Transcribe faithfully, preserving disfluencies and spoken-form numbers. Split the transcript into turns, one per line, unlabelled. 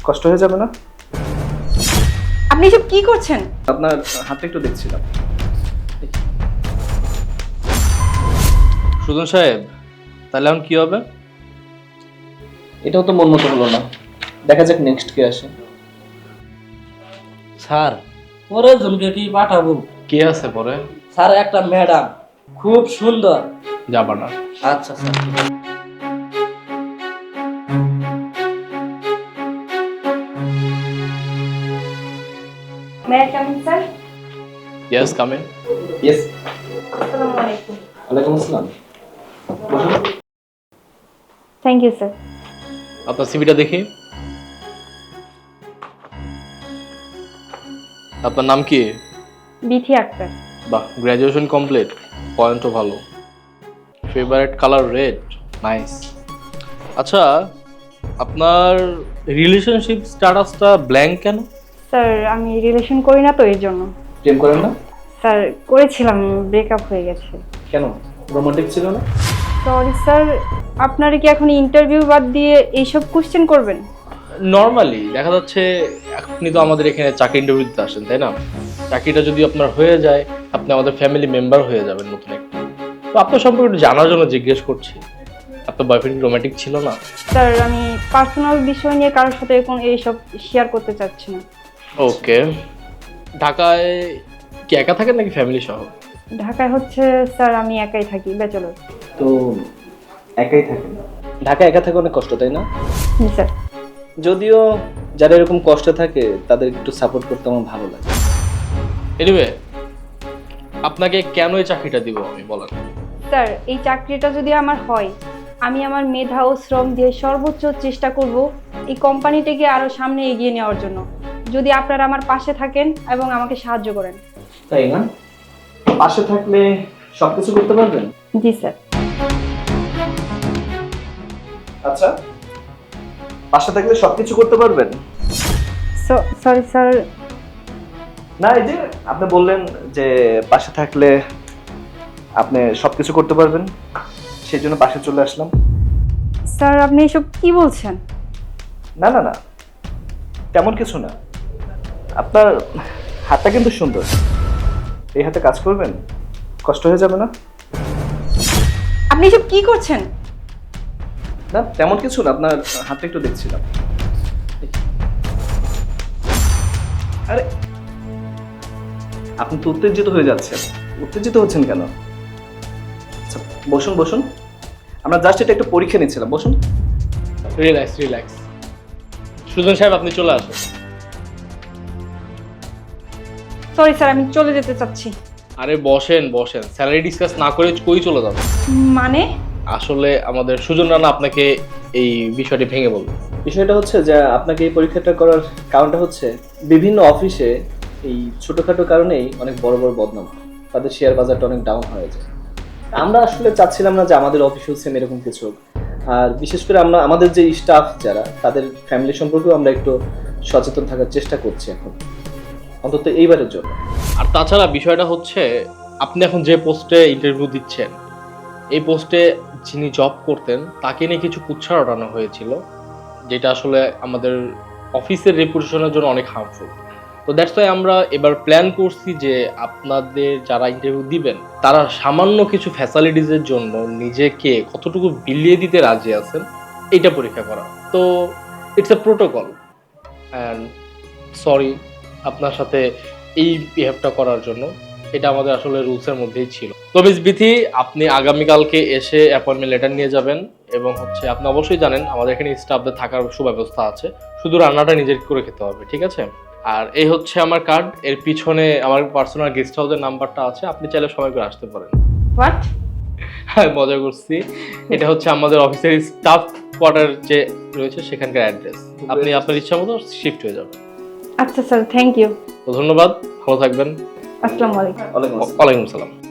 কষ্ট হয়ে যাবে না?
আপনি এসব কি করছেন?
আপনার হাতটা একটু দেখছিলাম।
সুজন সাহেব, তাহলে এখন কি হবে?
এটাও তো মন মতো হলো না, দেখা যাক নেক্সট কে আসে।
স্যার পরে জনকে কি পাঠাবো?
কে আছে পরে?
স্যার একটা ম্যাডাম খুব সুন্দর।
যাবা না?
আচ্ছা sir.
May I come in sir?
Yes, come in.
Yes.
আসসালামু আলাইকুম।
ওয়ালাইকুম আসসালাম। বসুন।
Thank you sir.
আপনার সিভিটা দেখি। আপনার নাম কি?
বিথি আক্তার।
বাহ, গ্র্যাজুয়েশন কমপ্লিট, পয়েন্টও ভালো। Favourite colour red, nice. আচ্ছা, আপনার রিলেশনশিপ স্ট্যাটাসটা ব্ল্যাঙ্ক কেন?
স্যার আমি রিলেশন করি না তো এর জন্য।
প্রেম করেন না?
স্যার করেছিলাম, ব্রেকআপ হয়ে গেছে।
কেন, রোমান্টিক ছিল না?
সরি স্যার, আপনারা কি এখন ইন্টারভিউ বাদ দিয়ে এইসব কোশ্চেন করবেন?
নর্মালি দেখা যাচ্ছে আপনি তো আমাদের এখানে চাকরি ইন্টারভিউ দিতে আসেন, তাই না? চাকরিটা যদি আপনার হয়ে যায়, আপনি আমাদের ফ্যামিলি মেম্বার হয়ে যাবেন নতুন একটা। তো আপনার সম্পর্কে একটু জানার জন্য জিজ্ঞেস করছি, আপনার বয়ফ্রেন্ড রোমান্টিক ছিল না?
স্যার আমি পার্সোনাল বিষয় নিয়ে কারোর সাথে এখন এইসব শেয়ার করতে চাচ্ছি না।
ওকে। ঢাকায় কি একা থাকেন নাকি ফ্যামিলি সহ?
ঢাকায় হচ্ছে স্যার আমি একাই থাকি, ব্যাচেলর।
তো একাই থাকেন? ঢাকা একা থাকে অনেক কষ্ট, তাই না?
জি স্যার।
যদিও যারা এরকম কষ্টে থাকে তাদের একটু সাপোর্ট করতে আমার ভালো লাগে।
এনিওয়ে, আপনাকে কেন এই চাকরিটা দিব আমি বলেন?
স্যার এই চাকরিটা যদি আমার হয়, আমি আমার মেধা ও শ্রম দিয়ে সর্বোচ্চ চেষ্টা করব এই কোম্পানিটাকে আরো সামনে এগিয়ে নেওয়ার জন্য, যদি আপনারা আমার পাশে থাকেন এবং আমাকে সাহায্য করেন।
তাই না? পাশে থাকলে সবকিছু করতে পারবেন?
জি স্যার।
আচ্ছা, পাশে থাকলে সবকিছু করতে পারবেন?
Sorry sir.
না, এই যে আপনি বললেন যে পাশে থাকলে আপনি সবকিছু করতে পারবেন, সেই জন্য পাশে চলে আসলাম।
স্যার আপনি এসব কি বলছেন?
না না না, তেমন কিছু না। আপনার হাতটা কিন্তু সুন্দর, এই হাতে কাজ করবেন, কষ্ট হয়ে যাবে না?
আপনি এসব কি করছেন?
না তেমন কিছু না, আপনার হাতটা একটু দেখছিলাম। আরে আপনি তো উত্তেজিত হয়ে যাচ্ছেন, উত্তেজিত হচ্ছেন কেন? আচ্ছা বসুন বসুন, আমরা জাস্ট এটা একটু পরীক্ষা নিচ্ছিলাম, বসুন।
Relax relax. সুজন সাহেব আপনি চলে আসুন।
সরি স্যার, আমি চলে যেতে চাচ্ছি।
আরে বসেন বসেন, স্যালারি ডিসকাস না করে কই চলে যাবেন?
মানে?
আসলে আমাদের সুজন রানা আপনাকে এই বিষয়টি ভেঙে বলবে।
বিষয়টা হচ্ছে যে আপনাকে এই পরীক্ষাটা করার কারণটা হচ্ছে বিভিন্ন অফিসে এই ছোটখাটো কারণেই অনেক বড় বড় বদনাম হয়, তাদের শেয়ার বাজারটা অনেক ডাউন হয়ে যায়। আমরা আসলে চাচ্ছিলাম না যে আমাদের অফিসেও সেম এরকম কিছু হোক। আর বিশেষ করে আমরা আমাদের যে স্টাফ যারা, তাদের ফ্যামিলি সম্পর্কেও আমরা একটু সচেতন থাকার চেষ্টা করছি এখন, অন্তত এইবারের জন্য।
আর তাছাড়া বিষয়টা হচ্ছে আপনি এখন যে পোস্টে ইন্টারভিউ দিচ্ছেন, এই পোস্টে যিনি জব করতেন তাকে নিয়ে কিছু কুৎসা রটানো হয়েছিল, যেটা আসলে আমাদের অফিসের রেপুটেশনের জন্য অনেক হার্মফুল। তো দ্যাটস ওয়াই আমরা এবার প্ল্যান করছি যে আপনাদের যারা ইন্টারভিউ দিবেন তারা সামান্য কিছু ফ্যাসিলিটিসের জন্য নিজেকে কতটুকু বিলিয়ে দিতে রাজি আছেন এইটা পরীক্ষা করা। তো it's a protocol and sorry আপনার সাথে এই বিহেভটা করার জন্য, এটা আমাদের আসলে রুলসের মধ্যেই ছিল। তো মিস বিথি, আপনি আগামীকালকে এসে অ্যাপয়েন্টমেন্ট লেটার নিয়ে যাবেন এবং হচ্ছে আপনি অবশ্যই জানেন আমাদের এখানে স্টাফদের থাকার সুব্যবস্থা আছে, শুধু রান্নাটা নিজের করে খেতে হবে, ঠিক আছে? আর এই হচ্ছে আমার কার্ড, এর পিছনে আমার পার্সোনাল গেস্ট হাউসের নাম্বারটা আছে, আপনি চাইলে সময় করে আসতে পারেন।
হোয়াট?
হ্যাঁ মজা করছি। এটা হচ্ছে আমাদের অফিসের স্টাফ কোয়ার্টার যে রয়েছে সেখানকার অ্যাড্রেস, আপনি আপনার ইচ্ছা মতো শিফট হয়ে যাবেন।
আচ্ছা স্যার, থ্যাংক ইউ।
তো ধন্যবাদ, ভালো থাকবেন।
আসসালামু আলাইকুম।
ওয়ালাইকুম আসসালাম।
ওয়ালাইকুম আসসালাম।